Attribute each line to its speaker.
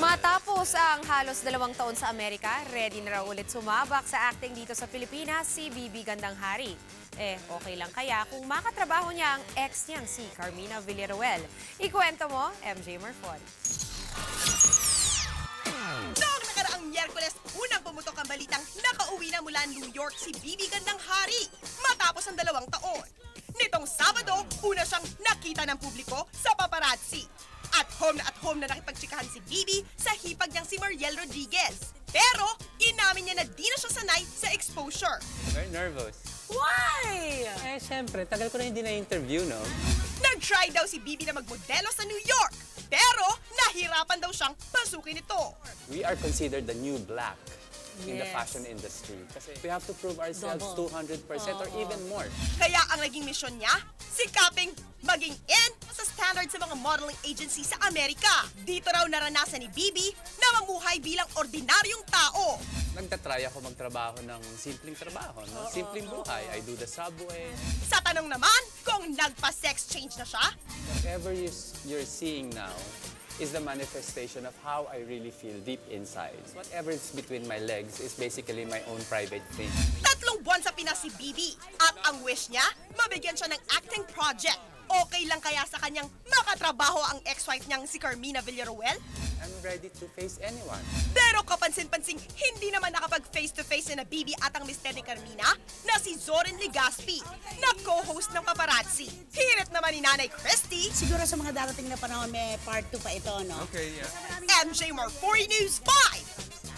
Speaker 1: Matapos ang halos 2 taon sa Amerika, ready na raw ulit sumabak sa acting dito sa Pilipinas si Bibi Gandanghari. Okay lang kaya kung makatrabaho niya ang ex niyang si Carmina Villaruel. Ikwento mo, MJ Marfon.
Speaker 2: Noong nakaraang Miyerkules, unang pumutok ang balitang nakauwi na mula New York si Bibi Gandanghari matapos ang 2 taon. Nitong Sabado, una siyang nakita ng publiko sa paparazzi. At home na nakipagtsikahan si Bibi sa hipag niyang si Mariel Rodriguez. Pero, inamin niya na di na siya sanay sa exposure.
Speaker 3: Very nervous.
Speaker 1: Why?
Speaker 3: Siyempre, tagal ko na hindi na-interview, no?
Speaker 2: Nag-try daw si Bibi na magmodelo sa New York. Pero, nahirapan daw siyang pasukin ito.
Speaker 3: We are considered the new black in the
Speaker 1: Yes.
Speaker 3: fashion industry. Kasi we have to prove ourselves 200% or even more.
Speaker 2: Kaya ang naging misyon niya, sikaping maging in sa standard sa mga modeling agency sa Amerika. Dito raw naranasan ni Bibi na mamuhay bilang ordinaryong tao.
Speaker 3: Nagtatry ako magtrabaho ng simpleng trabaho, no? Simpleng buhay. I do the subway.
Speaker 2: Sa tanong naman kung nagpa-sex change na siya,
Speaker 3: Whatever you're seeing now is the manifestation of how I really feel deep inside. Whatever is between my legs is basically my own private thing.
Speaker 2: 3 buwan sa Pinas si Bibi. At ang wish niya, mabigyan siya ng acting project. Okay lang kaya sa kanyang makatrabaho ang ex-wife niyang si Carmina Villaruel?
Speaker 3: I'm ready to face anyone.
Speaker 2: Pero kapansin-pansing hindi naman nakapag face-to-face na Bibi at ang mister ni Carmina na si Zoren Legaspi na co-host ng paparazzi. Hirit naman ni Nanay Christy,
Speaker 4: Siguro sa mga darating na panahon, may part 2 pa ito, no?
Speaker 2: MJ Marfori News 5!